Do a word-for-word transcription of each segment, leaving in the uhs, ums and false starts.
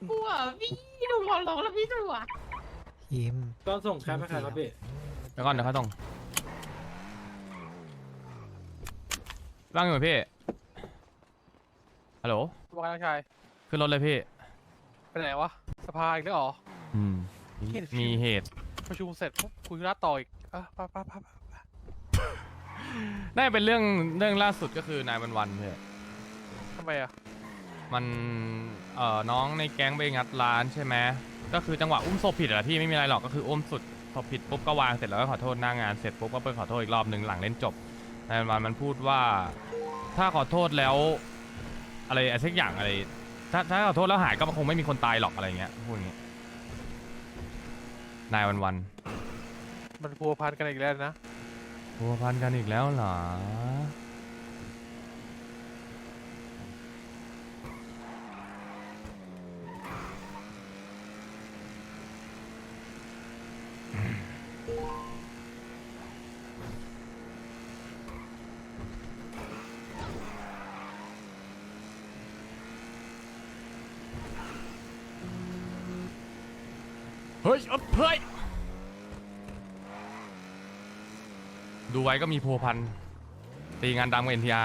กลัวพี่หนูขอร้องแล้วพี่ตำรวจยิ้มก็ส่งแคปให้ใครครับพี่เดี๋ยวก่อนเดี๋ยวเขาต้องว่างอยู่ไหมพี่ฮัลโหลว่าน้องชายขึ้นรถเลยพี่ไปไหนวะสภาอีกแล้วเหรออืมมีเห็นมีเหตุประชุมเสร็จปุ๊บคุยธุระต่ออีกอ่ะไปไปไปไปได้เป็นเรื่องเรื่องล่าสุดก็คือนายวันวันพี่ทำไมอ่ะมันเอ่อน้องในแก๊งไปงัดร้านใช่ไหมก็คือจังหวะอุ้มศพผิดอะพี่ไม่มีอะไรหรอกก็คืออุ้มสุดศพผิดปุ๊บก็วางเสร็จแล้วก็ขอโทษหน้างานเสร็จปุ๊บก็ไปขอโทษอีกรอบหนึ่งหลังเล่นจบนายวันวันมันพูดว่าถ้าขอโทษแล้วอะไรอะไรสักอย่างอะไรถ้าถ้าขอโทษแล้วหายก็คงไม่มีคนตายหรอกอะไรเงี้ยพูดอย่างเงี้ยนายวันวันมันพัวพันกันอีกแล้วนะพัวพันกันอีกแล้วเหรอเฮ้ยเอ้ยเฮ้ยดูไว้ก็มีพัวพันตีงานดำกับเอ็นทีอาร์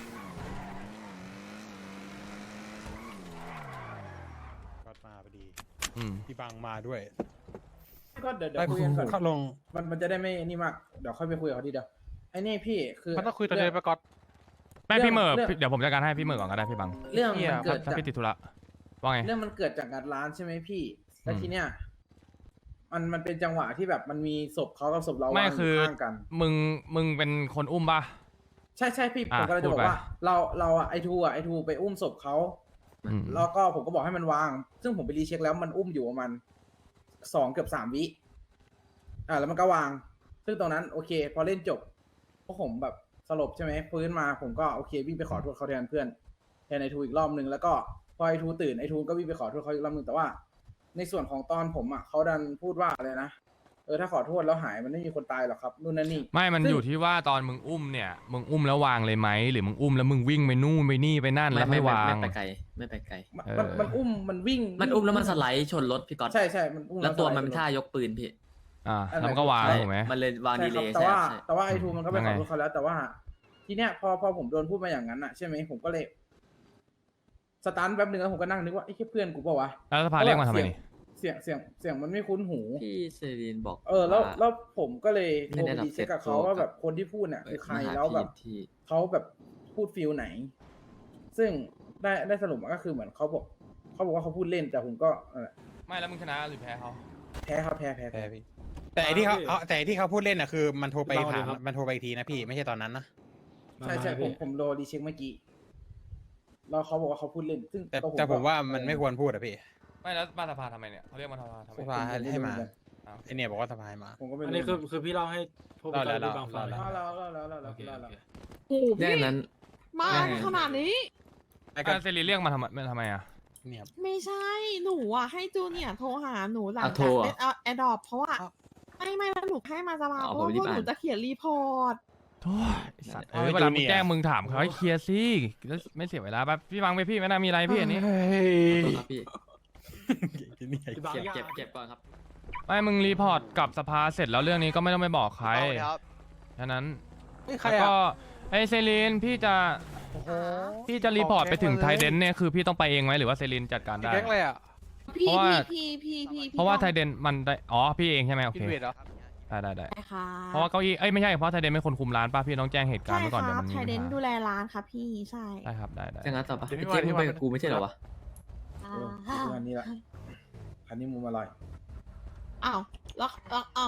ก็มาพอดีอืมพี่บังมาด้วยก็เดี๋ยวเดี๋ยไปวคุยกันก่อนเขาลงมันมันจะได้ไม่นี่มากเดี๋ยวค่อยไปคุยกับเขาทีเดียวไอ้นี่พี่คือมันต้องคุยตอนเดินไปก่อนแม่พี่เหมอร์เรื่องพี่เดี๋ยวผมจัดการให้พี่เหมอร์ก่อนก็ได้พี่บังเรื่องเหี้ยมันเกิดถ้าจากพี่ติดธุระว่าไงเรื่องมันเกิดจากงานร้านใช่ไหมพี่แล้วอืมทีเนี้ยมันมันเป็นจังหวะที่แบบมันมีศพเขากับศพเราไม่วางอคืยู่อข้างกันมึงมึงเป็นคนอุ้มป่ะใช่ใช่พี่อ่ะผมก็เลยจะพูบดอกไปว่า เราเราอะไอทูอะไอทูไปอุ้มศพเขาอืมแล้วก็ผมก็บอกให้มันวาง ซึ่งผมไปรีเช็คแล้วมันอุ้มอยู่ประมาณสองเกือบสามวิอ่าแล้วมันก็วาง ซึ่งตรงนั้นโอเค พอเล่นจบพวกผมแบบสลบใช่ไหมฟื้นมาผมก็โอเควิ่งไปขอโทษเขาแทนเพื่อนแทนไอทูอีกรอบหนึ่งแล้วก็พอไอทูตื่นไอทูก็วิ่งไปขอโทษเขาอีกรอบหนึ่งแต่ว่า ในส่วนของตอนผมอ่ะเขาดันพูดว่าอะไรนะเออถ้าขอโทษแล้วหายมันไม่มีคนตายหรอกครับนู่นนั่นนี่ไม่มันซึ่งอยู่ที่ว่าตอนมึงอุ้มเนี่ยมึงอุ้มแล้ววางเลยไหมหรือมึงอุ้มแล้วมึงวิ่งไปนู่นไปนี่ไปนั่นแล้วไม่วางไม่ไปไกลไม่ไปไกลมันเออมันมันอุ้มมันวิ่งมันอุ้มแล้วมันสไลด์ชนรถพี่ก๊อตใช่ใช่มันอุ้มแล้วตัวสไลด์มันเป็นท่ายกปืนพี่อ่าแล้วมันก็วางใช่ถูกไหมมันเลยวางใช่ดีคเลรับย์แต่ใช่ว่าใช่แต่ว่าไอทูมันก็ไปยังขไงอโทษเขาแล้ว แต่ว่า ทีเนี้ยพอพอผมโดนพูดมาอย่างนั้นอ่ะใช่ไหมผมก็เลยสตันแป๊บนึงแล้วผมก็นั่งนึกว่าไอ้แค่เพื่อนกูเปล่าวะแล้วสภาเรียกมาทำไมนี่เสียงเสียงเสียงมันไม่คุ้นหูพี่เซรีนบอกเออแล้วาแล้วผมก็เลยโทไม่รได้ไปรับดีเช็คกับเขาเซ็ตตัวว่าแบบคนที่พูดเนี่ยคือใครมาหาแล้วแบบพี่ที่เขาแบบพูดฟิลไหน ซึ่งได้ได้สรุปมาก็คือเหมือนเขาบอกเขาบอกว่าเขาพูดเล่นแต่ผมก็เออไม่แล้วมึงชนะหรือแพ้เขาแพ้ครับแพ้แพ้แพ้แพ้พี่ แต่ไอ้ที่เขาพี่เอาแต่ไอ้ที่เขาพูดเล่นน่ะคือมันโทรไปพี่บังถามสวัสดีครับมันโทรไปอีกทีนะพี่ไม่ใช่ตอนนั้นนะใช่ใช่ผมผมโดนดีเช็คเมื่อกี้แล้วเขาบอกว่าเขาพูดเล่น ซึ่งแต่ก็แต่ผมก็ว่ามันไม่ควรพูดอะพี่ไม่แล้วมาสภาทำไมเนี่ยเขาเรียกมาสภาทำไมสภาให้ให้มาอ้าวไอเนี่ยบอกว่าสภาให้มาผมก็ไม่รู้อันนี้คือคือพี่เล่าให้พวกเล่าแล้วพี่บางฟังเล่าเล่าแล้วเล่าแล้วเล่าแล้วโอเคเล่าโอแล้วเคโอ้โหเรื่องพี่นั้นมายังไงขนาดนี้ไอ้การเซรีเรียกมาทำไมทำไมอ่ะเนี่ยครับไม่ใช่หนูอ่ะให้จูเนียร์โทรหาหนูหลังอ่ะโทรจากอ่ะเอดดอปเพราะว่าไม่ไม่แล้วหนูให้มาสภาอ๋อเพราะว่าผมรีพบวกหนูอ่านจะเขียนรีพอร์ตโถ่ไอ้สัตว์เออเวลามึงแจ้งมึงถามเขาให้เคลียร์สิแล้วไม่เสียเวลาป่ะพี่บังไปพี่ไม่น่ามีอะไรพี่อันนี้เฮ้ยขอโทษครับพี่เนี่ยพี่บางเก็บยากเก็บเก็บก่อนครับไม่มึงรีพอร์ตกับสภาเสร็จแล้วเรื่องนี้ก็ไม่ต้องไปบอกใครครับแค่นั้นใครแล้วอ่ะก็ไอเซรีนพี่จะพี่จะรีพอร์ตไปถึงไทเดนเนี่ยคือพี่ต้องไปเองไหมหรือว่าเซรีนจัดการได้แก๊งอะไรอ่ะพี่เพราะว่าพี่พี่พี่พี่เพราะว่าต้องไทเดนมันได้อ๋อพี่เองใช่ไหมโออิเคนเวดเหรอได้ได้ได้ใช่ค่ะเพราะว่าเก้าอี้เอ้ยไม่ใช่เพราะไทเดนเป็นคนคุมร้านป่ะพี่ต้องแจ้งเหตุการใช่ณ์ไว้ก่อนคเดี๋ยวรับมันมีไทปัญเดนหาดูแลร้านครับพี่ใช่ได้ครับได้ได้จะงั้นต่อปะเดี๋ยวพี่ไอ้เจ๊มามึงไปที่กับกูไม่ใช่เหรอวะเออประมาณนี้ละคันนี้มุมอร่อยอ้าวแล้วแล้วอ้าว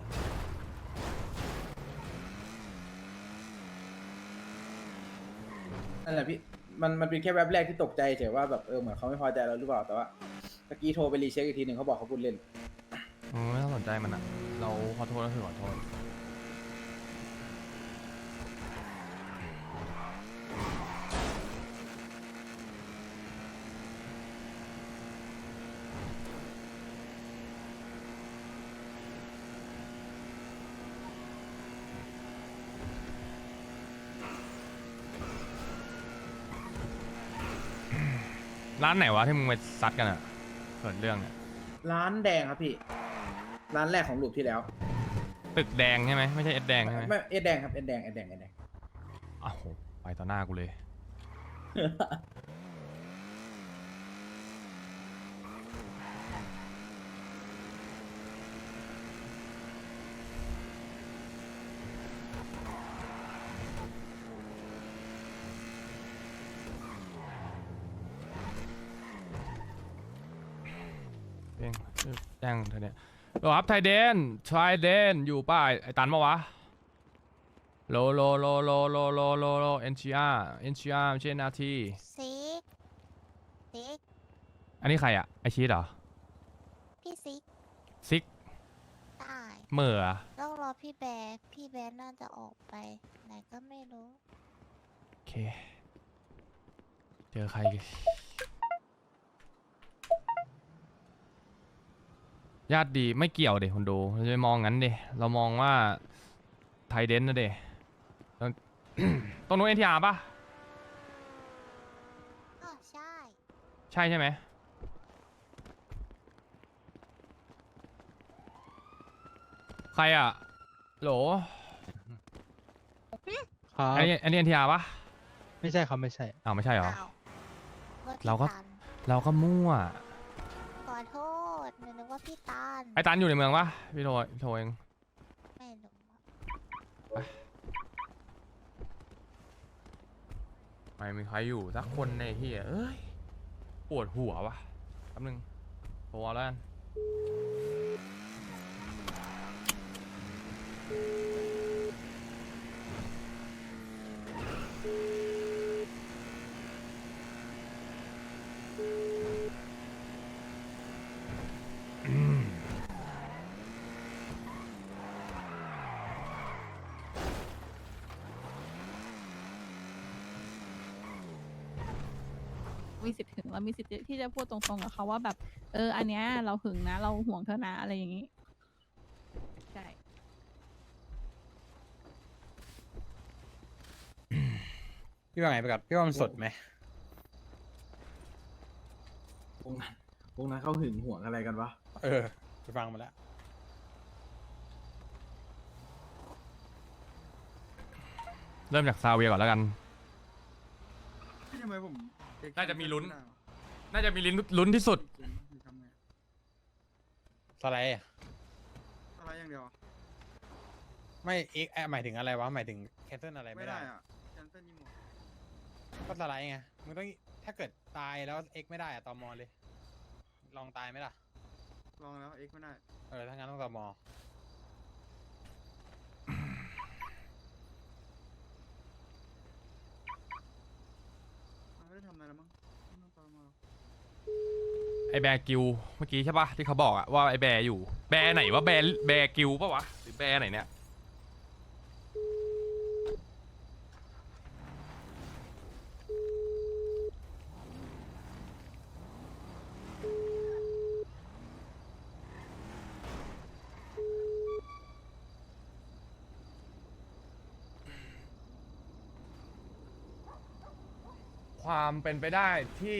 นั่นแหละพี่มันมันเป็นแค่แวบแรกที่ตกใจเฉยว่าแบบเออเหมือนเขาไม่พอใจเราหรือเปล่าแต่ว่าตะกี้โทรไปรีเช็คอีกทีหนึ่งเขาบอกเขาพูดเล่นอืมไม่ต้องสนใจมันอ่ะเราขอโทษก็คือขอโทษ ร้านไหนวะที่มึงไปซัดกันอ่ะเกิดเรื่องเนี่ยร้านแดงครับพี่ ร้านแรกของลูปที่แล้วตึกแดงใช่ไหมไม่ใช่เอ็ดแดงใช่ไหมไม่เอ็ดแดงครับเอ็ดแดงเอ็ดแดงเอ็ดแดงอ้าวโหไปต่อหน้ากูเลย เองแจ้งเธอเนี่ยโหลครับไทเดนไทเดนอยู่ป่ะไอ้ตันมาวะโลโลโลโลโลโลโลโลเอ็นชีอาร์เอ็นชีอาร์ไม่ใช่นาทีซิกซิกอันนี้ใครอะไอชีสเหรอพี่ซิกซิกตายเหม่ออะต้องรอพี่แบร์พี่แบร์น่าจะออกไปไหนก็ไม่รู้โอเค เจอใครญาติดีไม่เกี่ยวเด็คนดูเราจะไปมองงั้นเดเรามองว่าไทเดนนะเดแล้ว ตรงนู้นเอ็นทีอาร์ป่ะอ๋อใช่ใช่ใช่ไหมใครอ่ะโหลครับอันนี้อันนี้เอ็นทีอาร์ป่ะไม่ใช่ครับไม่ใช่อ้าวไม่ใช่เหรออ้าวว่าพี่เราก็ตันเราก็มั่วขอโทษหนูนึกว่าพี่ตันไอ้ตันอยู่ในเมืองป่ะพี่โทรโทรเองไม่รู้ไม่มีใครอยู่สักคนในที่เอ้ยปวดหัววะแป๊บนึงโทรเอาแล้วกันอืมมีสิทธิ์ถึงเรามีสิทธิ์ที่จะพูดตรงๆกับเขาว่าแบบเอออันเนี้ยเราหึงนะ เราห่วงเธอนะอะไรอย่างนี้ใช่พี่ว่าไงไปก่อนพี่ว่ามันสดไหมวงนั้นวงนั้นเขาหึงหวงอะไรกันวะเออไปฟังมาแล้วเริ่มจากซาเวียก่อนแล้วกันทำไมผมน่าจะมีลุ้น น่าจะมีลิ้นลุ้นที่สุดสไลด์อะอะไรอย่างเดียวไม่เอ็กหมายถึงอะไรวะหมายถึงแคนเซิลอะไรไม่ไม่ได้ได้อ่ะแคนเซิลยี่หมดก็สไลด์ไงมึงต้องถ้าเกิดตายแล้วเอ็กไม่ได้อะตอมอเลย ลองตายไหมล่ะลองแล้วเอ็กไม่ได้เออถ้างั้นต้องตอมอมันไม่ได้ทำอะไรแล้วมั้งไม่ต้องตามมาหรอกไอแบร์กิวเมื่อกี้ใช่ปะที่เขาบอกอะว่าไอแบร์อยู่แบร์ไหนวะแบร์แบร์กิวปะวะหรือแบร์ไหนเนี่ยความเป็นไปได้ที่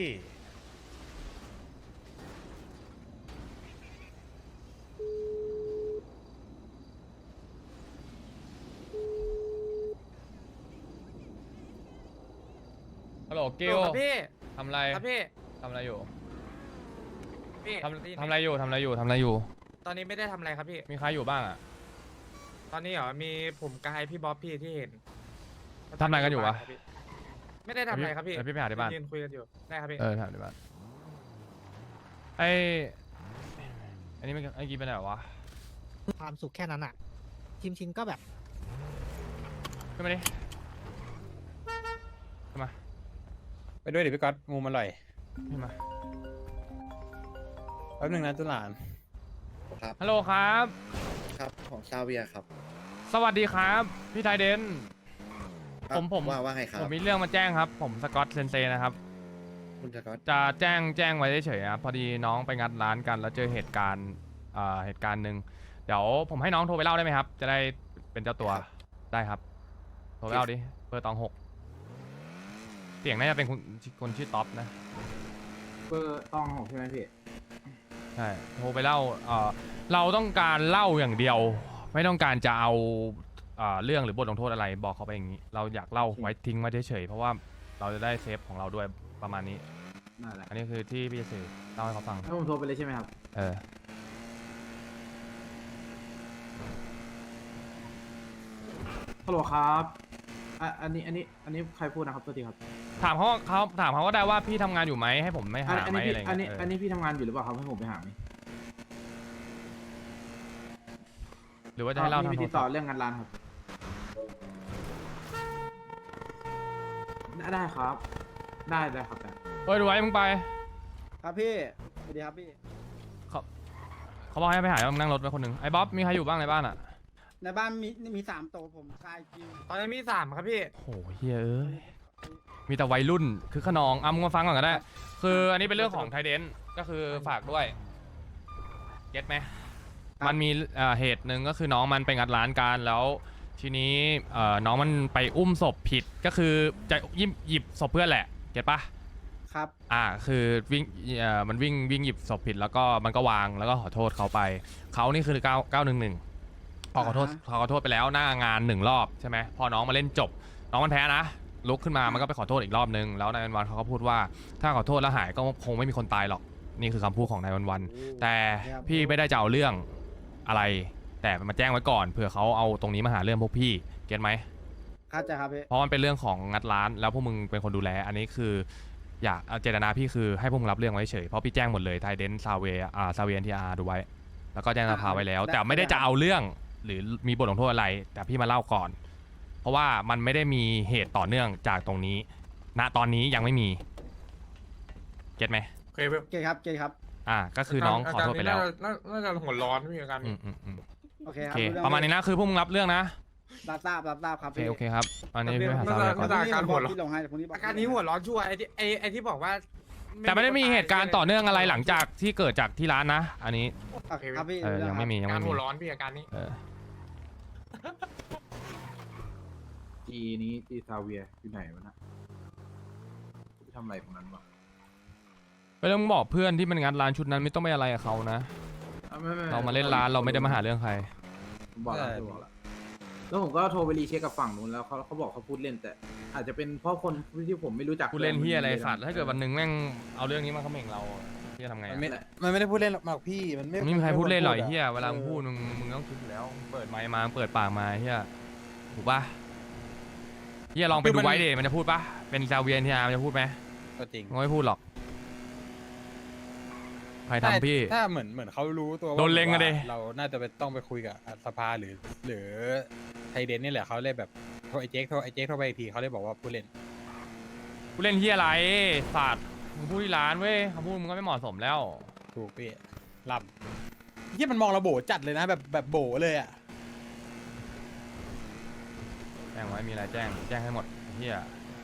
ฮัลโหลกิวครับพี่ทำอะไรครับพี่ทำอะไรอยู่พี่ทำทำอะไรอยู่ทำอะไรอยู่ทำอะไรอยู่ตอนนี้ไม่ได้ทำอะไรครับพี่มีใครอยู่บ้างอะตอนนี้เหรอ มีผมกายพี่บ๊อบพี่ที่เห็นทำอะไรกันอยู่วะครับพี่ไม่ได้ทำอะไรครับพี่เดี๋ยวพี่ไปหาที่บ้านยืนคุยกันอยู่ ได้ครับพี่เออถามดีบ้านไออันนี้มันไอกี้ไปไหนวะความสุขแค่นั้นอ่ะ ชิมชินก็แบบขึ้นมาดิขึ้นมาไปด้วยดิพี่ก๊อตงูมันอร่อยขึ้นมาแป๊บนึงนะจุฬานฮัลโหลครับครับของซาเวียครับสวัสดีครับ พี่ไทเดนครับผมผมว่าว่าไงครับผมมีเรื่องมาแจ้งครับ ผมสกอตเซนเซนะครับคุณสกอตจะแจ้งแจ้งไว้เฉยๆครับพอดีน้องไปงัดร้านกันแล้วเจอเหตุการณ์เอ่อเหตุการณ์หนึ่งเดี๋ยวผมให้น้องโทรไปเล่าได้ไหมครับ จะได้เป็นเจ้าตัวได้ครับ โทรไปเล่าดิเบอร์ตองหกเสียงน่าจะเป็นคนคนชื่อท็อปนะเบอร์ตองหกใช่ไหมพี่ใช่โทรไปเล่าเอ่อเราต้องการเล่าอย่างเดียว ไม่ต้องการจะเอาเอ่อเรื่องหรือบทลงโทษอะไรบอกเขาไปอย่างนี้ เราอยากเล่าไว้ทิ้งไว้เฉยๆเพราะว่าเราจะได้เซฟของเราด้วยประมาณนี้นั่นแหละอันนี้คือที่พี่จะสื่อเล่าให้เขาฟังให้ผมโทรไปเลยใช่ไหมครับเออฮัลโหลครับอ่ะอันนี้อันนี้อันนี้ใครพูดนะครับตัวทีครับถามเขาเขาถามเขาก็ได้ว่าพี่ทำงานอยู่ไหมให้ผมไม่อัหานอันไหมนี้อะไรพี่อันนี้เงี้ยเอออันนี้พี่ทำงานอยู่หรือเปล่าครับให้ผมไปหาไหมหรือว่าจะให้เล่าพี่ทางไปโทรติดศัต่อพท์เรื่องงานร้านครับได้ได้ครับ ได้ได้ครับได้เฮ้ยดูไว้มึงไปครับพี่สวัสดีครับพี่เขาเขาบอกให้ไปหาแล้วมึงนั่งรถไปคนหนึ่งไอ้บ๊อบมีใครอยู่บ้างในบ้านอ่ะในบ้านมีมีสามโตวผมกายคิวตอนนี้มีสามครับพี่โอ้โหเฮ้ยเอ้ยมีแต่วัยรุ่นคือขนองอ่ะมึงมาฟังก่อนก็ได้ คืออันนี้เป็นเรื่องของไทเดนก็คือฝากด้วยเก็ตไหมมันมีเอ่อเหตุหนึ่งก็คือน้องมันไปงัดร้านกันแล้ว ทีนี้เอ่อน้องมันไปอุ้มศพผิดก็คือจะหยิบหยิบศพเพื่อนแหละเก็ตปะครับอ่าคือวิ่งเอ่อมันวิ่งวิ่งหยิบศพผิดแล้วก็มันก็วางแล้วก็ขอโทษเขาไปเขานี่คือเก้าเก้าหนึ่งหนึ่งพอขอโทษพอขอโทษไปแล้วหน้างานหนึ่งรอบใช่ไหมพอน้องมาเล่นจบน้องมันแพ้นะลุกขึ้นมามันก็ไปขอโทษอีกรอบนึงแล้วนายวันวันเขาก็พูดว่าถ้าขอโทษแล้วหายก็คงไม่มีคนตายหรอกนี่คือคำพูดของนายวันวันแต่พี่ไม่ได้จะเอาเรื่องอะไร แต่มาแจ้งไว้ก่อนเผื่อเขาเอาตรงนี้มาหาเรื่องพวกพี่เก็ตไหมเข้าใจครับพี่เพราะมันเป็นเรื่องของงัดร้านแล้วพวกมึงเป็นคนดูแลอันนี้คืออยากเอาเจตนาพี่คือให้พวกมึงรับเรื่องไว้เฉยเพราะพี่แจ้งหมดเลยไทเดนซาเวอ่าซาเวียนทีอาร์ดูไว้แล้วก็แจ้งสภาไว้แล้ว แต่ไม่ได้จะเอาเรื่องหรือมีบทลงโทษอะไร แต่พี่มาเล่าก่อน เพราะว่ามันไม่ได้มีเหตุต่อเนื่องจากตรงนี้ณตอนนี้ยังไม่มีเก็ตไหมโอเคพี่เกย์ครับเกย์ครับอ่าก็คือน้องขอโทษไปแล้วาการนี้น่าน่าน่าจะหัวร้อนพี่อาการอืนี้มอืมอืมโอเคโอครับเคเองประมาณนี้นะคือพวกมึงรับเรื่องนะรับทราบรับทราบครับโอเคพี่โอเคครับอันนี้พี่ไปหาซาเวียก่อนน่าจะอาการหัวร้อนพี่ลงให้พรุ่งนี้บอกอาการนี้หัวร้อนชัวร์ไอ้ที่ไอ้ไอ้ที่บอกว่าแต่ไม่ได้มีเหตุการณ์ต่อเนื่องอะไรหลังจากที่เกิดจากที่ร้านนะ อันนี้โอเคครับพี่เออยังไม่มียังการไม่มีหัวร้อนพี่อาการนี้เออจีนี้จีซาเวียอยู่ไหนวะนะไปทำอะไรตรงนั้นวะไม่ต้องบอกเพื่อนที่มันงัดร้านชุดนั้นไม่ต้องไปอะไรกับเขานะอ่ะไม่ไม่ไเรามาเล่นร้านเราไม่ได้มาหาเรื่องใครผมบอกแล้วผมบอกแล้วแล้วผมก็โทรไปรีเช็คกับฝั่งนู้นแล้วเขาเขาบอกเขาพูดเล่นแต่ อาจจะเป็นเพราะคนที่ผมไม่รู้จักกูเล่นเฮียอะไรสัตว์ถ้าเกิดวันหนึ่งแม่งเอาเรื่องนี้มาเขม่งเราเฮียทำไงมันอะไม่มันไม่ได้พูดเล่นหรอกพี่มันไม่มันไม่มีใครพูดเล่นหรอกไม่ไอ้ควเฮียเวลามึงพูดมึงมึงต้องคิดอยู่แล้วเปิดไมค์มาเปิดปากมาเฮียถูกปะเฮียลองไปดูไว้ดิมันจะพูดปะเป็นซาเวียนทีอาร์มันจะพูดไหมก็จริงมันไม่พูดหรอกใครทำพี่ถ้าเหมือนเหมือนเขารู้ตัวว่าโดนเล็งอะดิว่าเราน่าจะไปต้องไปคุยกับสภาหรือ หรือไทยเดนนี่แหละเขาเลยแบบโทรไอเจ๊กโทรไอเจ๊กโทรไปอีกทีเขาเลยบอกว่าผู้เล่นกูเล่นเฮียอะไรสัตว์มึงพูดที่ร้านเว้ยคำพูดมึงก็ไม่เหมาะสมแล้วถูกพี่ลำที่มันมองเราโบจัดเลยนะแบบแบบโบเลยอ่ะแจ้งไว้มีอะไรแจ้งแจ้งให้หมดเฮีย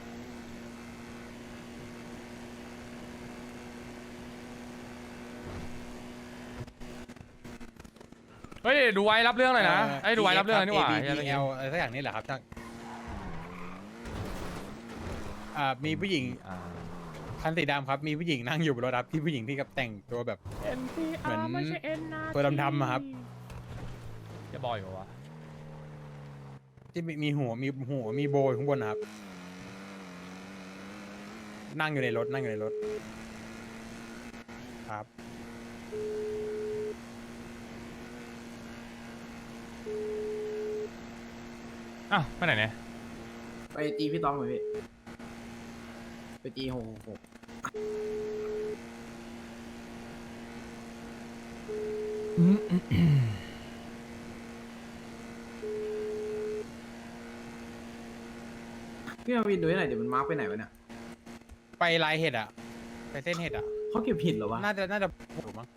เฮ้ยดูไว้รับเรื่องหน่อยนะไอ้ยดูไว้รับเรื่องหน่อยนี่หว่าเอเหี้ยเอลอะไรสักอย่างนี่แหละครับท่านอ่ามีผู้หญิงอ่าคันสีดำครับมีผู้หญิงนั่งอยู่บนรถครับที่ผู้หญิงที่กับแต่งตัวแบบ เหมือนตัวดำๆอะครับจะบอยเหรอวะที่มีมีหัวมีหัวมีโบอยู่ข้างบนนะครับ นั่งอยู่ในรถนั่งอยู่ในรถครับอ้าวไปไหนเนี่ยไปจีพี่ต้องเลยพี่ไปจีหกหกหกพี่มาวินดูให้หน่อยเดี๋ยวมันมาร์กไปไหนวะเนี่ยไปลายเห็ดอ่ะ ไปเส้นเห็ดอ่ะเขาเก็บผิดเหรอวะน่าจะน่าจะถูกมั้ง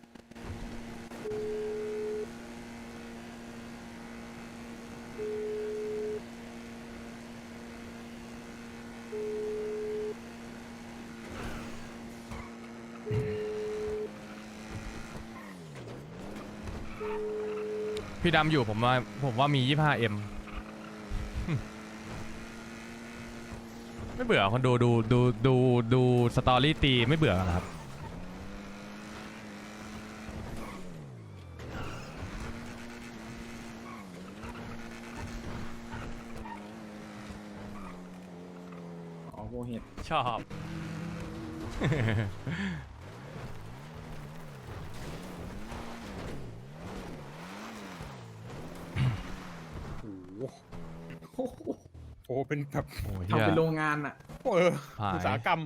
พี่ดำอยู่ผมว่าผมว่ามี ยี่สิบห้าเอ็ม ไม่เบื่อคนดูดูดูดูดูสตอรี่ตีไม่เบื่อเหรอครับเหตุชอบโอ้โหโอ้โหเป็นแบบโอ้ยทำเป็นโรงงานอ่ะเออหายอุตสาหกรรม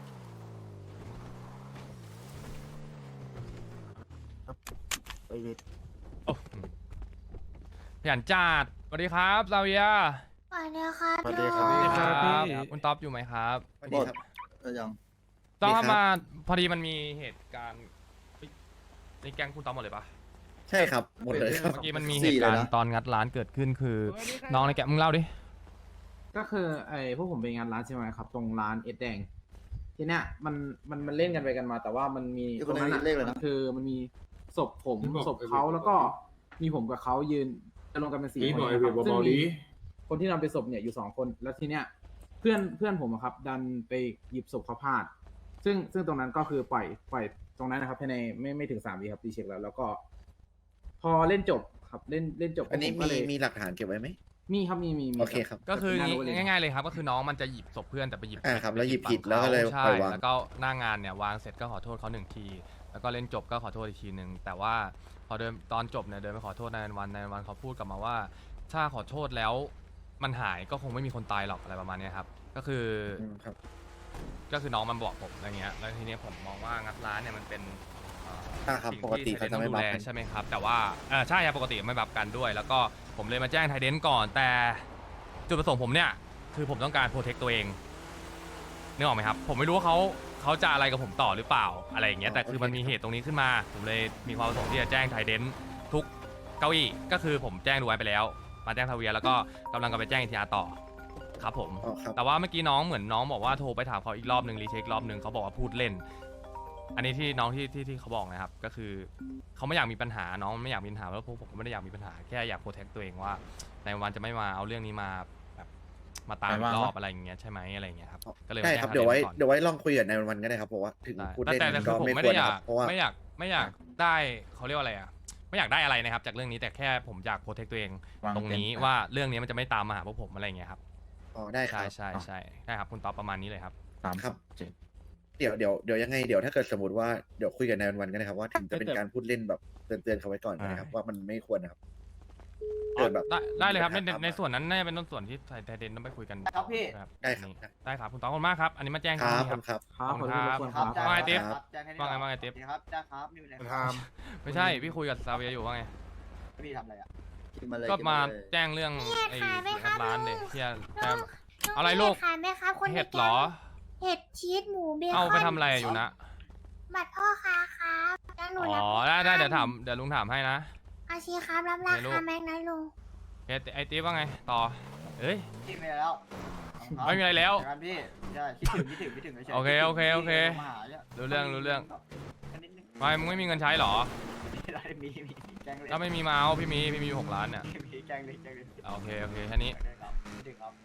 ไปเวทโอ้ขยันจัดสวัสดีครับซาเวียสวัสดีค่ะสวัสดีพี่ครับสวัสดีครับพี่คุณท็อปอยู่ไหมครับสวัสดีครับเออยังต้องดีครับมาพอดีมันมีเหตุการณ์เฮ้ยในแก๊งคุณท็อปหมดเลยปะใช่ครับ หมดเลยครับเมื่อกี้มันมีสี่เหตุการเลยณ์นะตอนงัดร้านเกิดขึ้นคือ น้องในแก๊งมึงเล่าดิก็คือไอ้พวกผมไปงานร้านใช่ไหมครับ ตรงร้านเอ็ดแดง ทีเนี้ยมันมันมันเล่นกันไปกันมา แต่ว่ามันมีอีกตครนงหนึ่นั้นงอ่ะเลขเลยนะมันคือมันมีศพผมศพเขาแล้วก็มีผมกับเขายืนจะลงกันเป็นสี่คนนะครับซึ่งมีคนที่นำไปศพเนี่ยอยู่สองคน แล้วทีเนี้ยเพื่อนเพื่อนผมอะครับ ดันไปหยิบศพเขาพลาด ซึ่งซึ่งตรงนั้นก็คือปล่อยปล่อยตรงนั้นนะครับภายในไม่ไม่ถึงสามวิครับตีเช็คแล้ว แล้วก็ พอเล่นจบครับเล่นเล่นจบอันนี้ผมก็มีเลยมีหลักฐานเก็บไว้ไหมมีครับมีมีมีโอเคครับก็คือเป็นหน้าโรงเรียนง่ายๆเลยครับ ก็คือน้องมันจะหยิบศพเพื่อนแต่ไปหยิบอ่าครับแล้วหยิบไปผิดแล้วก็เลยใช่ปล่อยวางแล้วก็หน้างานเนี่ยวางเสร็จก็ขอโทษเขาหนึ่งที แล้วก็เล่นจบก็ขอโทษอีกทีหนึ่งแต่ว่าพอเดินตอนจบเนี่ยเดินไปขอโทษนายวันนายวันเขาพูดกลับมาว่า ถ้าขอโทษแล้วมันหายก็คงไม่มีคนตายหรอกอะไรประมาณเนี้ยครับ ก็คืออืมครับก็คือน้องมันบอกผมอะไรเงี้ย แล้วทีเนี้ยผมมองว่างัดร้านเนี่ยมันเป็นเอ่ออ่าครับสิ่งปกติที่เขาไทจะเดนไม่ต้องดูบัฟแลกันใช่ไหมครับ แต่ว่าเออใช่ครับปกติไม่บัฟกันด้วย แล้วก็ผมเลยมาแจ้งไทเดนก่อน แต่จุดประสงค์ผมเนี่ยคือผมต้องการโปรเทคตัวเองนึกออกไหมครับ ผมไม่รู้ว่าเขาเขาจะอะไรกับผมต่อหรือเปล่าอะไรอย่างเงี้ย แต่คือมันมีเหตุตรงนี้ขึ้นมา ผมเลยมีความประสงค์ที่จะแจ้งไทเดนทุกเก้าอี้ก็คือผมแจ้งดูไว้ไปแล้ว มาแจ้งทาเวียแล้วก็กำลังจะไปแจ้งอีทีอาร์ต่อครับผมอ๋อครับแต่ว่าเมื่อกี้น้องเหมือนน้องบอกว่าโทรไปถามเขาอีกรอบหนึ่งรีเช็ครอบหนึ่งเขาบอกว่าพูดเล่น อันนี้ที่น้องที่ที่ที่เขาบอกนะครับ ก็คือเขาไม่อยากมีปัญหาน้องไม่อยากมีปัญหาแล้วพวกผมก็ไม่ได้อยากมีปัญหาแค่อยากโปรเทคตัวเองว่าในวันจะไม่มาเอาเรื่องนี้มาแบบมาตามอีกรอบอะไรอย่างเงี้ยใช่ไหมอะไรอย่างเงี้ยครับก็เลยมาได้แจ้งครับทางเดี๋ยวไว้ก่อนเดี๋ยวไว้ลองคุยกับนายวันๆก็ได้ครับเพราะว่าถึงได้พูดแต่เล่นแต่แต่คือก็ผมไม่ไม่ควได้รอนะคยารักบเพราะว่าไม่อยากไม่อยากได้เขาเรียกว่าอะไรอ่ะไม่อยากได้อะไรนะครับจากเรื่องนี้แต่แค่ผมอยากโปรเทคตัวเองตรงนี้ว่าเรื่องนี้มันจะไม่ตามมาหาพวกผมอะไรอย่างเงี้ยครับอ๋อได้คใช่รับใช่ใช่ใช่ครับคุณตอบประมาณนี้เลยครับครับเดี๋ยวเดี๋ยวเดี๋ยวยังไงเดี๋ยวถ้าเกิดสมมติว่าเดี๋ยวคุยกับนายวันๆกันนะครับว่าถึงจะเป็นการพูดเล่นแบบเตือนๆเขาไว้ก่อนนะครับว่ามันไม่ควรนะครับเกิดแบบได้ได้เลยครับในมีปัญหาในในส่วนนั้นน่าจะเป็นส่วนที่ไทเดนต้องไปคุยกันครับพี่ครับได้ครับอันนี้ได้ครับคุณตอบขอบคุณมากครับ อันนี้มาแจ้งครับที่ขอบคุณครับครับขอโทษทุกคนครับว่าไงติ๊บครับแจ้งให้ว่าไงว่าไงติ๊บครับจ้าครับนี่เป็นไรทามไม่ใช่พี่คุยกับซาเวียอยู่ว่าไงพี่ทำอะไรอ่ะกินมาเลยก็นมาเลยแจ้งเรื่องไอ้ขายไหมครับร้านเด็กลุงที่จะน้องอะไรลูกขายไหมครับคนในเห็ดแก๊งเหรอเห็ดชีสหมูเบคอนเอาไปทำอะไรอยู่นะบัตรพ่อค้าครับแล้วหนูอ๋อรับได้ได้เดี๋ยวถามเดี๋ยวลุงถามให้นะอาชีครับรับราไหนลูคาก แม็กนะลุงเอ้ยไอ้ติ๊บว่าไงต่อเอ้ยพี่ไม่ได้แล้วไม่มีอะไรแล้วเจอกันพี่ใช่คิดถึงคิดถึงคิดถึงฉยๆโอเคโอเคโอเคพี่มาหานี่ยรู้เรื่องรู้เรื่องนิดนึงไม่มึงไม่มีเงินใช้เหรอได้มีมีมีแจ้งเลยถ้าไม่มีมาเอาพี่มีพี่มีอยู่หกล้านเนี่ยมีแจ้งเลยแจ้งเลยโอเคโอเคแค่นี้โอเคครับคิดถึงครับ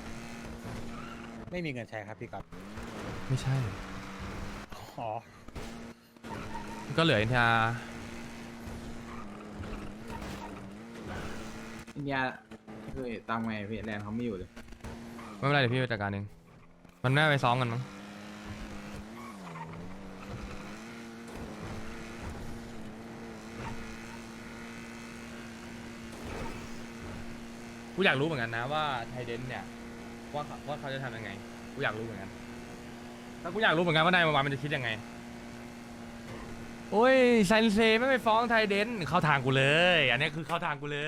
ไม่มีเงินใช้ครับพี่ก๊อตไม่ใช่อ๋อก็เหลืออินทาอินเดียคือตามไงพี่แลนด์เขาไม่อยู่เลยไม่เป็นไรเดี๋ยวพี่ไปจัดการเองมันน่าไปซ้อมกันมั้งกูอยากรู้เหมือนกันนะว่าไทเดนเนี่ยว่าเขาว่าเขาจะทำยังไงกูอยากรู้เหมือนกันถ้ากูอยากรู้เหมือนกันว่านายมาวันมันจะคิดยังไงโอ้ยไซนเซไม่ไปฟ้องไทเดนเข้าทางกูเลย อันนี้คือเข้าทางกูเลย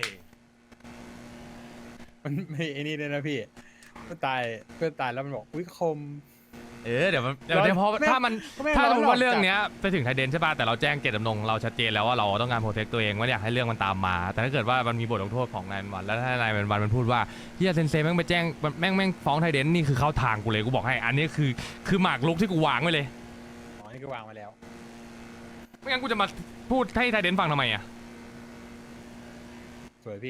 มันไม่ไอ้นี่เลยนะพี่เพื่อนตายเพื่อนตายแล้วมันบอกอุ้ยคมเออเดี๋ยวมันเดี๋ยวร้อยเดี๋ยวพอไม่ถ้ามันไม่ถ้าร้อยรู้หรอกว่าเรื่องจากเนี้ยไปถึงไทเดนใช่ป่ะแต่เราแจ้งเจตจำนงเราชัดเจนแล้วว่าเราต้องการโปรเทคตัวเองไม่อยากให้เรื่องมันตามมา แต่ถ้าเกิดว่ามันมีบทลงโทษของนายวันแล้วถ้านายวันมันพูดว่าเฮียเซนเซแม่งไปแจ้งแม่งแม่งฟ้องไทเดนนี่คือเข้าทางกูเลยกูบอกให้อันนี้คือคือหมากรุกที่กูวางไว้เลยอ๋อนี่ก็วางมาแล้วไม่งั้นกูจะมาพูดให้ไทเดนฟังทำไมอ่ะสวยพี่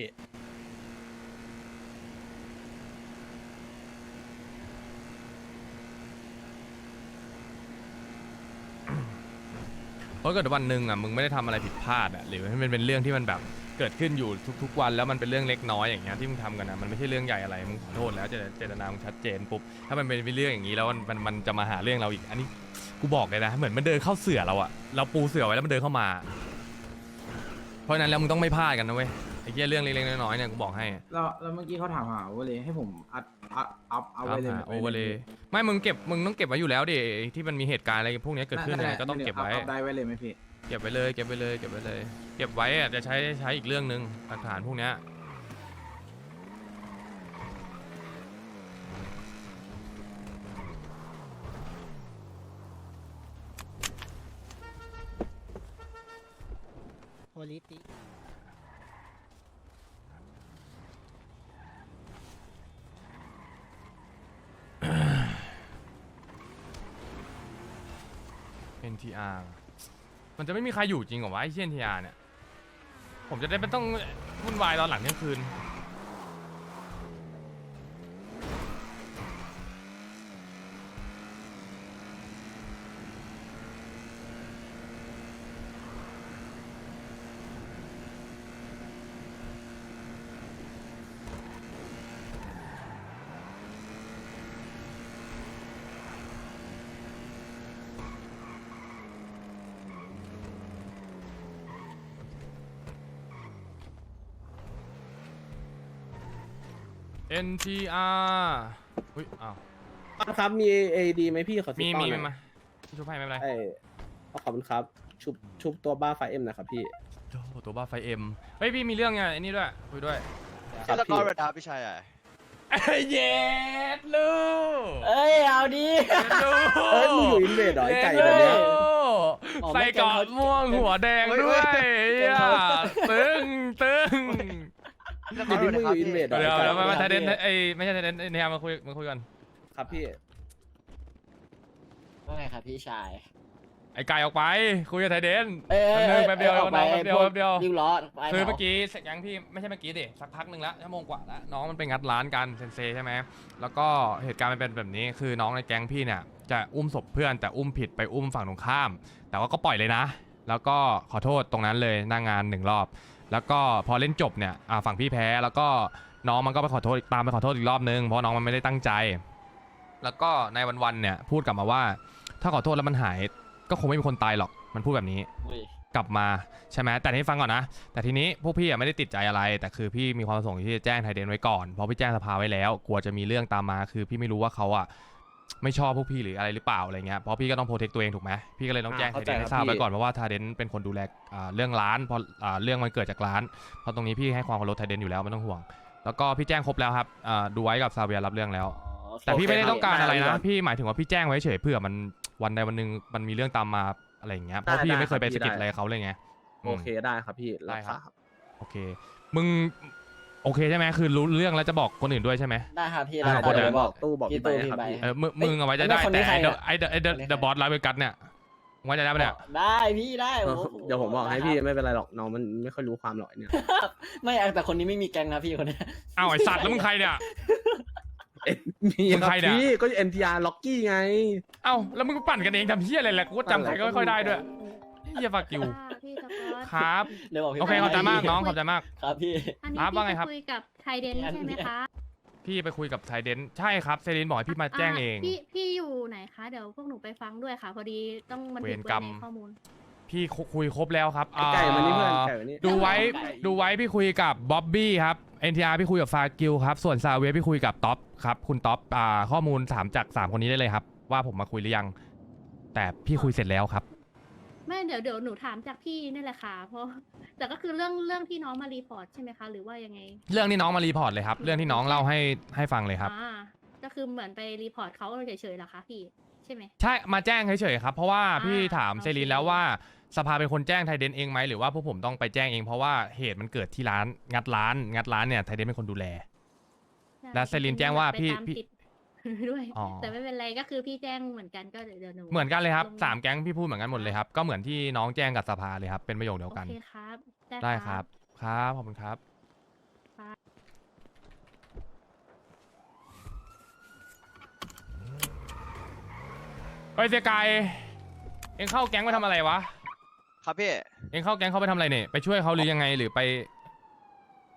เพราะเกิดวันหนึ่งอ่ะมึงไม่ได้ทำอะไรผิดพลาดอ่ะหรือให้มันเป็นเรื่องที่มันแบบเกิดขึ้นอยู่ทุกๆวันแล้วมันเป็นเรื่องเล็กน้อยอย่างเงี้ยที่มึงทำกันนะมันไม่ใช่เรื่องใหญ่อะไรมึงขอโทษแล้วเจตเจตนามึงชัดเจนปุ๊บถ้ามันเป็นเรื่องอย่างนี้แล้วมันมันมันจะมาหาเรื่องเราอีกอันนี้กูบอกเลยนะเหมือนมันเดินเข้าเสือเราอะเราปูเสือไว้แล้วมันเดินเข้ามาเพราะฉะนั้นแล้วมึงต้องไม่พลาดกันนะเว้ยไอ้เหี้ยเรื่องเล็กๆน้อยๆเนี่ยกูบอกให้แล้วแล้วเมื่อกี้เขาถามหาโอเวอร์เลยให้ผมอัดอัพอัพเอาไว้เลยโอเวอร์เลยไม่มึงเก็บมึงต้องเก็บไว้อยู่แล้วดิที่มันมีเหตุการณ์อะไรพวกนี้เกิดขึ้นเนี่ยก็ต้องเก็บไว้อัพได้ไว้เลยไหมพี่เก็บไว้เลยเก็บไว้เลยเก็บไว้เลยเก็บไว้อะจะใช้ใช้อีกเรื่องหนึ่งหลักฐานพวกเนี้ยโพลิติเอ็น ที อาร์ มันจะไม่มีใครอยู่จริงเหรอวะไอ้เชี่ย เอ็น ที อาร์ เนี่ยผมจะได้ไม่ต้องวุ่นวายตอนหลังเที่ยงคืน เอ็น ที อาร์ อุ้ยอ้าวครับมี เอ ดี ไหมพี่ขอมีมีไหมมาชุบให้ไม่เป็นไรไอ้ขอบคุณครับชุบชุบตัวบ้าไฟเอ็มนะครับพี่โอ้โหตัวบ้าไฟเอ็มเฮ้ยพี่มีเรื่องไงไอ้นี่ด้วยคุยด้วยครับพี่พี่ชายอ่ะเย็ดลูกเอ้ยเอาดีเย็ดลูกเอ้ยมึงอยู่อินเวดเหรอไอ้ไก่แบบเนี้ย อ๋อไม่ใส่เกาะม่วงหัวแดงด้วยอ่ะตึงตึงเดี๋ยวนี้มึงอยู่อินเวดเหรอเดี๋ยวไอ้เดี๋ยวไก่มามาไทเดนไอ้ไม่ใช่ไทเดนไอ้เนี่ยมาคุยมาคุยกันครับพี่ว่าไงครับพี่ชายไอ้ไก่ออกไปคุยกับไทเดนเอ้ยแป๊บนึงแป๊บเดียวออกไปแป๊บเดียวพวกแป๊บเดียวริ้วล้อไปคือหรเมื่อกี้เสร็จยังพี่ไม่ใช่เมื่อกี้ดิสักพักหนึ่งแล้วชั่วโมงกว่าแล้วน้องมันไปงัดร้านกันเซนเซใช่ไหมแล้วก็เหตุการณ์มันเป็นแบบนี้คือน้องในแก๊งพี่เนี่ยจะอุ้มศพเพื่อนแต่อุ้มผิดไปอุ้มฝั่งตรงข้าม แต่ว่าก็ปล่อยเลยนะ แล้วก็ขอโทษตรงนั้นเลยหน้างานหนึ่งรอบ แล้วก็พอเล่นจบเนี่ยอ่าฝั่งพี่แพ้แล้วก็น้องมันก็ไปขอโทษตามไปขอโทษอีกรอบนึงเพราะน้องมันไม่ได้ตั้งใจ แล้วก็ในวันๆเนี่ยพูดกลับมาว่าถ้าขอโทษแล้วมันหายก็คงไม่มีคนตายหรอกมันพูดแบบนี้ กลับมาใช่ไหมแต่ที่ฟังก่อนนะแต่ทีนี้พวกพี่ไม่ได้ติดใจอะไรแต่คือพี่มีความประสงค์ที่จะแจ้งไทเดนไว้ก่อนเพราะพี่แจ้งสภาไว้แล้วกลัวจะมีเรื่องตามมาคือพี่ไม่รู้ว่าเขาอ่ะไม่ชอบพวกพี่หรืออะไรหรือเปล่าอะไรเงี้ยเพราะพี่ก็ต้องโปรเทคตัวเองถูกไหมพี่ก็เลยต้องแจ้งไทเดนให้ทราบไว้ก่อนเพราะว่าไทเดนเป็นคนดูแลเรื่องร้านเพราะเรื่องมันเกิดจากร้านเพราะตรงนี้พี่ให้ความเคารพไทเดนอยู่แล้วไม่ต้องห่วงแล้วก็พี่แจ้งครบแล้วครับดูไว้กับซาเวียรับเรื่องแล้วแต่พี่ไม่ได้ต้องการอะไรนะพี่หมายถึงว่าพี่แจ้งไว้เฉยเผื่อมันวันใดวันหนึ่งมันมีเรื่องตามมาอะไรอย่างเงี้ยเพราะพี่ไม่เคยไปสะกิดอะไรเขาเลยไงโอเคได้ครับพี่ได้ครับโอเคมึงโอเคใช่ไหมคือรู้เรื่องแล้วจะบอกคนอื่นด้วยใช่ไหมได้ครับพี่อ่าได้เดี๋ยวบอกตู้บอกพี่ตู้พี่ใบเออมึงมึงเอาไว้จะได้แต่ไอ้เดอะไอ้เดอะไอ้เดอะเดอะบอสไลฟ์เวกัสเนี่ยไว้จะได้ปะเนี่ยได้พี่ได้เดี๋ยวผมบอกให้พี่ไม่เป็นไรหรอกน้องมันไม่ค่อยรู้ความหรอกเนี่ยไม่แต่คนนี้ไม่มีแกงนะพี่คนนี้อ้าวไอ้สัตว์แล้วมึงใครเนี่ยมีมึงใครเนี่ยพี่ก็ เอ็น ที อาร์ ล็อกกี้ไงเอ้าแล้วมึงปั่นกันเองทำเพี้ยอะไรแหละกูก็จำใครก็ไม่ค่อยได้ด้วยเฮียฝากกิวครับเดี๋ยวบอกพี่โอเคขอบใจมากน้องขอบใจมากครับพี่ครับว่าไงครับคุยกับไทเดนใช่ไหมคะพี่ไปคุยกับไทเดนใช่ครับเซรินบอกให้พี่มาแจ้งเองพี่พี่อยู่ไหนคะ เดี๋ยวพวกหนูไปฟังด้วยค่ะ พอดีต้องมันเวถึรง กเปิรดรมในข้อมูลพี่คุยครบแล้วครับไก่มานี่เพื่อนอ่าไก่มานี่ดูไว้ไก่ดูไว้พี่คุยกับบ๊อบบี้ครับ เอ็น ที อาร์ พี่คุยกับฟากิลครับส่วนซาเวียพี่คุยกับท็อปครับคุณท็อปอ่าข้อมูลสามจากสามคนนี้ได้เลยครับว่าผมมาคุยหรือยัง แต่พี่คุยเสร็จแล้วครับไม่เดี๋ยวเดี๋ยวหนูถามจากพี่นี่แหละค่ะ เพราะแต่ก็คือเรื่องเรื่องที่น้องมารีพอร์ตใช่ไหมคะ หรือว่ายังไงเรื่องที่น้องมารีพอร์ตเลยครับเรื่องที่น้องเล่าให้ให้ฟังเลยครับอ่าก็คือเหมือนไปรีพอร์ตเขาเฉยๆเหรอคะพี่ใช่ไหมใช่มาแจ้งเฉยๆครับเพราะว่าอ่าพี่ถามโอเคเซรีนแล้วว่าสภาเป็นคนแจ้งไทเดนเองไหมหรือว่าพวกผมต้องไปแจ้งเองเพราะว่าเหตุมันเกิดที่ร้านงัดร้านงัดร้านเนี่ยไทเดนเป็นคนดูแล และเซรีนแจ้งว่าพี่ไปตมพี่ติด ด้วยอ๋อแต่ไม่เป็นไรก็คือพี่แจ้งเหมือนกันก็เดี๋ยวเดี๋ยวหนูเหมือนกันเลยครับงสามแก๊งพี่พูดเหมือนกันหมดเลยครับก็เหมือนที่น้องแจ้งกับสภาเลยครับเป็นประโยคเดียวกันโอเคครับได้ครับครับขอบคุณครับครับเฮ้ยเสียกายเอ็งเข้าแก๊งไปทำอะไรวะครับพี่เอ็งเข้าแก๊งเขาไปทำอะไรเนี่ยไปช่วยเขาหรือยังไงหรือไป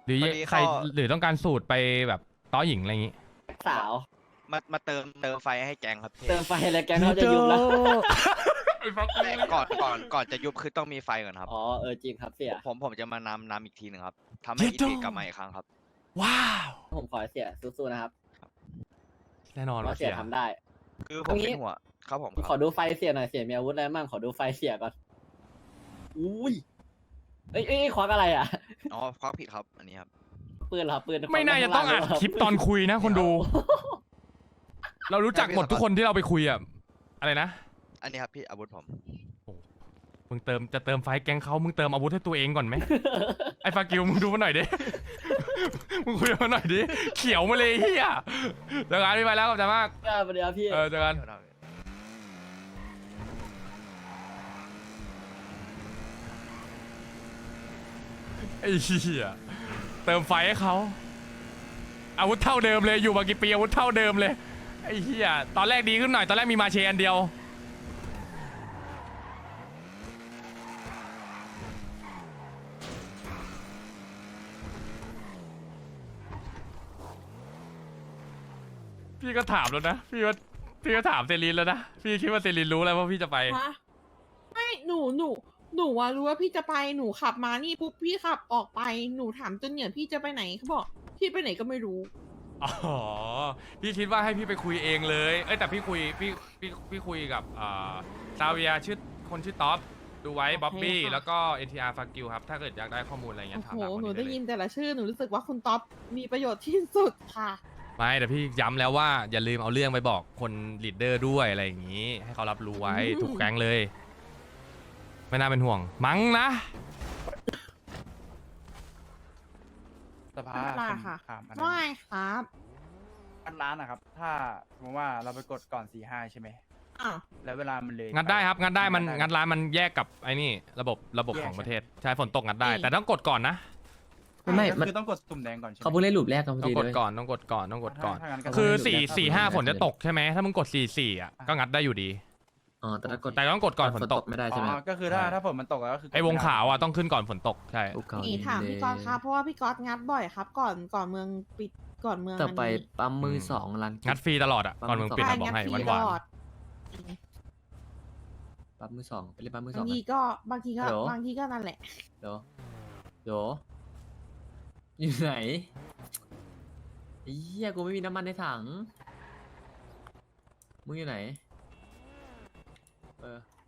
หรือพอดีใครเขาหรือต้องการสูตรไปแบบต้อหญิงอะไรอย่างงี้สาวมามาเติมเติมไฟให้แกงครับพี่เติมไฟแล้วแกงเขาจะยุบแล้วแต่ก่อนก่อนก่อนจะยุบคือต้องมีไฟก่อนครับอ๋อเออจริงครับเสียผมผมจะมานำนำอีกทีหนึ่งครับทำให้อีทีกลับมาอีกครั้งครับว้าวผมขอให้เสียสู้ๆนะครับแน่นอนว่าว่าเสีเสียยทำได้คือผมเป็นหัวครับผมขอดูไฟเสียหน่อยเสียมีอาวุธอะไรบ้างขอดูไฟเสียก่อนอุ้ยเอ้ยเอ้ยควักอะไรอ่ะอ๋อควักผิดครับอันนี้ครับปืนเหรอปืนไม่น่าจะต้องอัดคลิปตอนคุยนะคนดู เรารู้จักหมดทุกคนที่เราไปคุยอะอะไรนะอันนี้ครับพี่อาวุธผมมึงเติมจะเติมไฟแกงเขามึงเติมอาวุธให้ตัวเองก่อนไหม ไอ้ฟากิวมึงดูมาหน่อยดิ มึงคุยมาหน่อยดิ เขียวมาเลยเฮียเจอกันพี่ไปแล้วขอบใจมากเออเดี๋ยวพี่เออเจอกัน ไอ้เหี้ยเติมไฟให้เขาอาวุธเท่าเดิมเลยอยู่มากี่ปีอาวุธเท่าเดิมเลยไอ้เหี้ยตอนแรกดีขึ้นหน่อยตอนแรกมีมาเชอันเดียวพี่ก็ถามแล้วนะพี่ว่าพี่ก็ถามเซรินแล้วนะพี่คิดว่าเซรินรู้แล้วว่าพี่จะไปฮะไม่หนูหนูหนูว่ารู้ว่าพี่จะไปหนูขับมานี่ปุ๊บพี่ขับออกไปหนูถามจนเนี่ยพี่จะไปไหนเขาบอกพี่ไปไหนก็ไม่รู้อ๋อ พี่คิดว่าให้พี่ไปคุยเองเลย เอ้ยแต่พี่คุยพี่พี่พี่คุยกับอ่าซาเวียชื่อคนชื่อท็อปดูไว้บ๊อบบี้โอเคค่ะแล้วก็ เอ็น ที อาร์ ฟากิวครับ ถ้าเกิดอยากได้ข้อมูลอะไรเงี้โอ้ยถามโหหาคนหนูนี้ได้ได้เลยิยนแต่ละชื่อหนูรู้สึกว่าคุณท็อปมีประโยชน์ที่สุดค่ะไม่แต่พี่ย้ำแล้วว่าอย่าลืมเอาเรื่องไปบอกคนลีดเดอร์ด้วยอะไรอย่างนี้ ให้เขารับรู้ไว้อืมทุกแก๊งเลย ไม่น่าเป็นห่วง มั้งนะสภาไม่เป็นไรผมค่ะถามอันไม่นั้นครับอันร้านนะครับ ถ้าสมมติว่าเราไปกดก่อนสี่ห้าใช่ไหมอ้าวแล้วเวลามันเลยงัดได้ครับงัดได้มันงังัดร้านมันแยกกับไอ้นี่ระบบระบบแยกของใช่ไหมประเทศใช่ฝนตกงัดได้อืมแต่ต้องกดก่อนนะไม่ก็มันคือต้องกดตุ่มแดงก่อนใช่ไหมเขาเพิ่งเล่นลูปแรกกันพอต้องดีกดเลยก่อนต้องกดก่อนต้องกดก่อนถ้างั้นก็คือต้องสี่ให้ดูสี่ห้าแล้วฝนจะตกใช่ไหมถ้ามึงกดสี่สี่อ่ะก็งัดได้อยู่ดีอ๋อแต่ถ้ากดแต่ต้องกดก่อนฝนตกไม่ได้อ๋ใช่ไหมอก็คือถ้าถ้าฝนมันตกแล้วก็คือกดไอ้วงม่ด้ขาวอ่ะต้องขึ้นก่อนฝนตกใช่ลูกเขานี่ถามพี่ก๊อตครับเพราะว่าพี่ก๊อตงัดบ่อยครับ ก่อนก่อนเมืองปิดก่อนเมืองต่อไปนนี้ปั๊มมือสองรันงัดฟรีตลอดอ่ะก่อนมึงปิดใช่อะบอกงัดให้ฟหรีวานหวานตลอดปั๊มมือสองไปเล่นปั๊มมือสบาองงกัทีนก็บางทีก็ฮัลโหลบางทีก็นั่นแหละเดี๋ยวเดี๋ยวอยู่ไหนไอ้เหี้ยกูไม่มีน้ำมันในถังมึงอยู่ไหนเออ